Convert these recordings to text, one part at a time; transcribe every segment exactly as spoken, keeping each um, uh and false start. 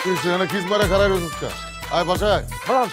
তুই সেখানে খিস মারা খারাপ রয়েছিস কা? আয় বাসায় খালাম।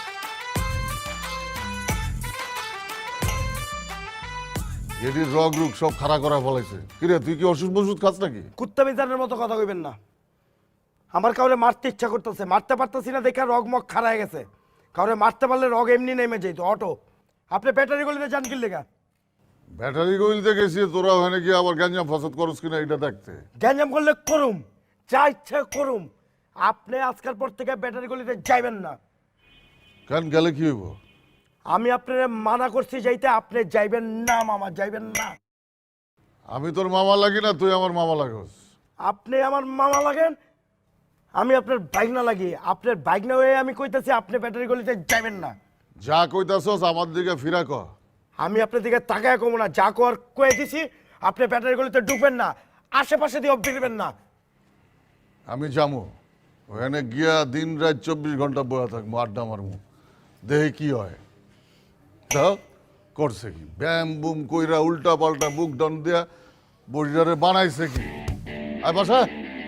গেডির রগ রুগ সব খাড়া করা ফলাইছে। কিরে তুই কি ওষুধ মসুদ খাস নাকি? কুত্তা বিজানের মতো কথা কইবেন না। আমার কাউরে মারতে ইচ্ছা করতেছে, মারতে পারতেছি না দেখে রগ মগ খাড়া হয়ে গেছে। কাউরে মারতে পারলে রগ এমনি নেমে যেত অটো। আপনি ব্যাটারি গলিতে যান কি লেগা? ব্যাটারি গইলতে গেছি, তোরা ওখানে গিয়ে আবার গ্যাঞ্জাম ফসাদ করস কিনা এটা দেখতে। গ্যাঞ্জাম করলে করুম, যা ইচ্ছা করুম। আপনি আজকাল পর থেকে ব্যাটারি গলিতে যাইবেন না। কেন গেলে কি হইব? আমি আপনার মানা করছি যাইতে, আপনি যাইবেন না মামা, যাইবেন না। আমি তোর মামা লাগি না, তুই আমার মামা লাগস। আপনি আমার মামা লাগেন, আমি আপনার বাইক না লাগি। আপনার বাইক না হয়ে আমি কইতেছি আপনি ব্যাটারি গলিতে যাইবেন না। যা কইতাছস আমার দিকে ফিরা ক। আমি আপনার দিকে তাকায় কমো না, যা কর কয়ে দিছি। আপনি ব্যাটারি গলিতে ঢুকবেন না, আশেপাশে দিয়ে ফিরবেন না। আমি যামু ওখানে গিয়া দিন রাত চব্বিশ ঘন্টা বয়া থাকবো, আড্ডা মারমু, দেহে কি হয়। তা করছে কি ব্যাম বুম কইরা উল্টা পাল্টা বুক ডান দিয়া বডিটারে বানাইছে কি? আয় বাসা।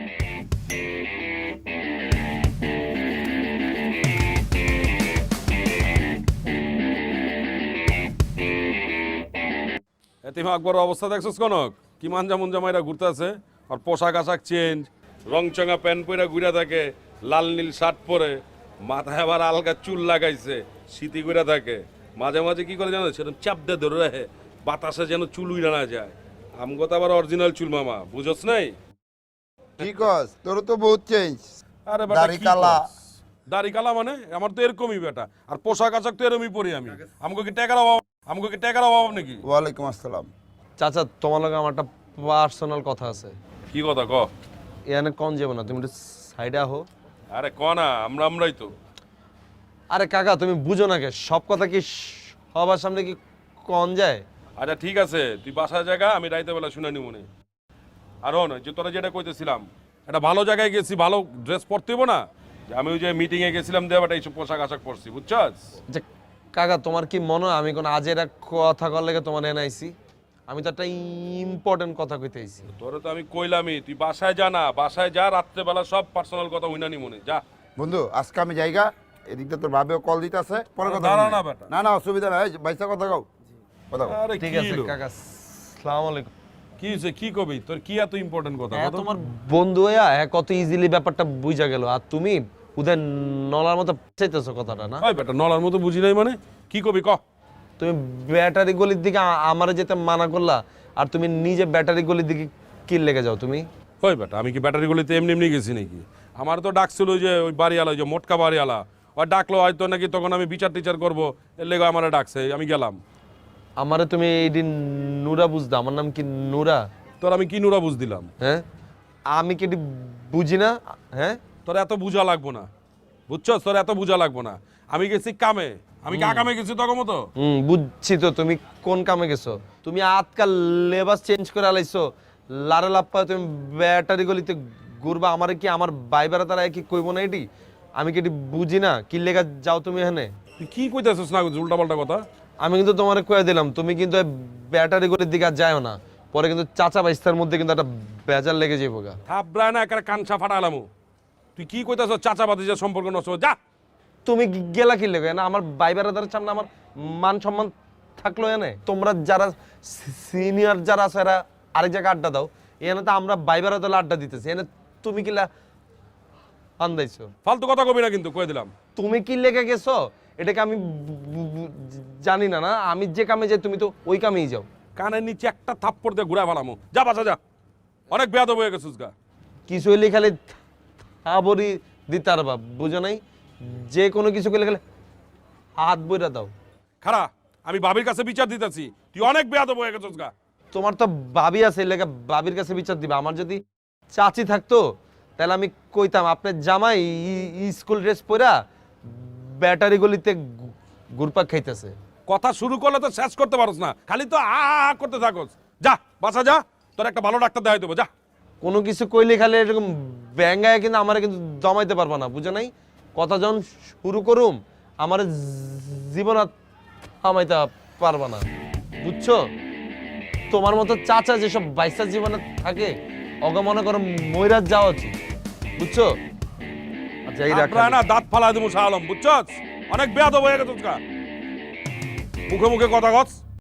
এতিম আকবর অবস্থা দেখছিস কনক? কি মানজা মুঞ্জা মাইরা ঘুরতে আছে, আর পোশাক আশাক চেঞ্জ, রংচঙা প্যান্ট পরে ঘুরে থাকে, লাল নীল শার্ট পরে, মাথায় আবার আলগা চুল লাগাইছে, শীতি ঘুরে থাকে। মাঝে মাঝে কি করে জানো, সেরকম চাপ দিয়ে ধরে রাখে, বাতাসে যেন চুল উড়ে না যায়। আমগো তো আবার অরিজিনাল চুল মামা, বুঝছ নাই? কি কস তোর তো বহুত চেঞ্জ। আরে বেটা দাড়ি কি কালা। কস? দাড়ি কালা মানে আমার তো এরকমই বেটা, আর পোশাক আশাক তো এরকমই পরি আমি। আমগো কি টাকার অভাব? আমগো কি টাকার অভাব নাকি? ওয়ালাইকুম আসসালাম। চাচা তোমার লগে আমার একটা পার্সোনাল কথা আছে। কি কথা ক? এখানে কন যাবো না, তুমি একটু সাইডে আহো। আরে ক না, আমরা আমরাই তো। আরে কাকা তুমি বুঝো না কে, সব কথা কি সবার সামনে কি কন যায়? আচ্ছা ঠিক আছে, তুই বাসার জায়গা আমি রাইতে বেলা শুনে নি মনে। আর হন যে তোরা যেটা কইতেছিলাম, একটা ভালো জায়গায় গেছি, ভালো ড্রেস পরতে হইব না? যে আমি ওই যে মিটিংয়ে গেছিলাম দেবাটা এইসব পোশাক আশাক পরছি, বুঝছস? যে কাকা তোমার কি মনে হয় আমি কোন আজের এক কথা কর লেগে তোমার এনাইছি? আমি তো একটা ইম্পর্টেন্ট কথা কইতে আইছি। তোরে তো আমি কইলামই, তুই বাসায় যা না, বাসায় যা, রাত্রেবেলা সব পার্সোনাল কথা হইনা নি মনে, যা। বন্ধু আজকে আমি জায়গা এদিকটা তোর ভাবেও কল দিতে আছে, পরে কথা দাঁড়া বলবি। না বেটা। না না অসুবিধা নাই, বাইসা কথা কও, কথা কও। আরে ঠিক কি আছে হলো? কাকা, আসসালামু আলাইকুম। কি হইছে, কি কবি? তোর কি এত ইম্পর্টেন্ট কথা? হ্যাঁ, বল তো। তোমার বন্ধু হইয়া হ্যাঁ কত ইজিলি ব্যাপারটা বুঝা গেল, আর তুমি উদয় নলার মতো চাইতেছো কথাটা না? ওই বেটা নলার মতো বুঝি নাই মানে, কি কবি ক? তুমি ব্যাটারি গলির দিকে আ- আমারে যেতে মানা করলা, আর তুমি নিজে ব্যাটারি গলির দিকে কি লেগে যাও তুমি? ওই বেটা আমি কি ব্যাটারি গলিতে এমনি এমনি গেছি নাকি? আমার তো ডাকছিল ওই যে ওই বাড়িওয়ালা, ওই যে মোটকা বাড়িওয়ালা, ওই ডাকলো হয়তো নাকি তখন আমি বিচার টিচার করবো, এর লেগে আমার ডাকছে, আমি গেলাম। আমারে তুমি এই দিন নুরা বুঝদা, আমার নাম কি নুরা? তোর আমি কি নুরা বুঝ দিলাম? হ্যাঁ আমি কি এটি বুঝি না? হ্যাঁ তোর এত বুঝা লাগবো না, বুঝছস? তোর এত বুঝা লাগবো না। আমি গেছি কামে, আমি কা কামে গেছি তখন মতো। হুম বুঝছি তো তুমি কোন কামে গেছো। তুমি আজকাল লেবাস চেঞ্জ করে আলাইছো, লারে লাপ্পা তুমি ব্যাটারি গলিতে ঘুরবা। আমারে কি আমার বাইবারা তারা কি কইব না এটি? আমি কি এটি বুঝি না কি লেগা যাও তুমি এখানে? তুই কি কইতেছিস না উল্টা পাল্টা কথা? আমি কিন্তু তোমারে কয়ে দিলাম তুমি কিন্তু এই ব্যাটারি গলির দিকে আর যাও না, পরে কিন্তু চাচা বাইস্তার মধ্যে কিন্তু একটা বেজার লেগে যাবো গা। থাবড়ায় না একটা কানসা ফাটালাম। তুই কি কইতেছ? চাচা বাতিজার সম্পর্ক নষ্ট হয়ে যা। তুমি কি গেলা কি লেগে না? আমার ভাই বেড়াদারের সামনে আমার মান সম্মান থাকলো এনে। তোমরা যারা সিনিয়র যারা আছে এরা আরেক জায়গায় আড্ডা দাও, এখানে তো আমরা ভাই বেড়াদার আড্ডা দিতেছি, এনে তুমি কিলা আন্দাইছো? ফালতু কথা কবি না কিন্তু, কয়ে দিলাম। তুমি কি লেগে গেছো এটাকে আমি বু- বু- জানি না। না আমি যে কামে যাই তুমি তো ওই কামেই যাও। কানের নিচে একটা থাপ্পড় দিয়ে ঘুরা ফেলামো, যা বাসা যা। অনেক বেয়াদব হয়ে গেছিস গা। কিছু হইলে খালি থাবরি দিতার বাপ, বুঝো নাই? যে কোনো কিছু করলে খালি হাত বইরা দাও। খারা আমি বাবির কাছে বিচার দিতেছি, তুই অনেক বেয়াদব হয়ে গেছিস গা। তোমার তো ভাবি আছে, লেগে ভাবির কাছে বিচার দিবা। আমার যদি চাচি থাকতো তাহলে আমি কইতাম আপনার জামাই ই- ই স্কুল ড্রেস পরা ব্যাটারি গলিতে ঘু- ঘুরপাক খাইতেছে। কথা শুরু করলে তো শেষ করতে পারস না, খালি তো আ আ আ করতে থাকস। যা বাসা যা, তোর একটা ভালো ডাক্তার দেখাই দেবো, যা। কোনো কিছু কইলে খালি এরকম ব্যাঙ্গায় কিন্তু আমার কিন্তু দমাইতে পারবা না, বুঝো নাই? কথা যখন শুরু করুম আমার জীবন আর থামাইতে পারবা না, বুঝছো? তোমার মতো চাচা যেসব বাইসা জীবনে থাকে অগা মনে করো ময়রাজ যাওয়া উচিত, বুঝছো? আচ্ছা এই রাখ আপনারা না দাঁত ফালা দেবো শাহ আলম বুঝছস অনেক বেয়াদব হয়ে গেছে মুখে মুখে কথা কস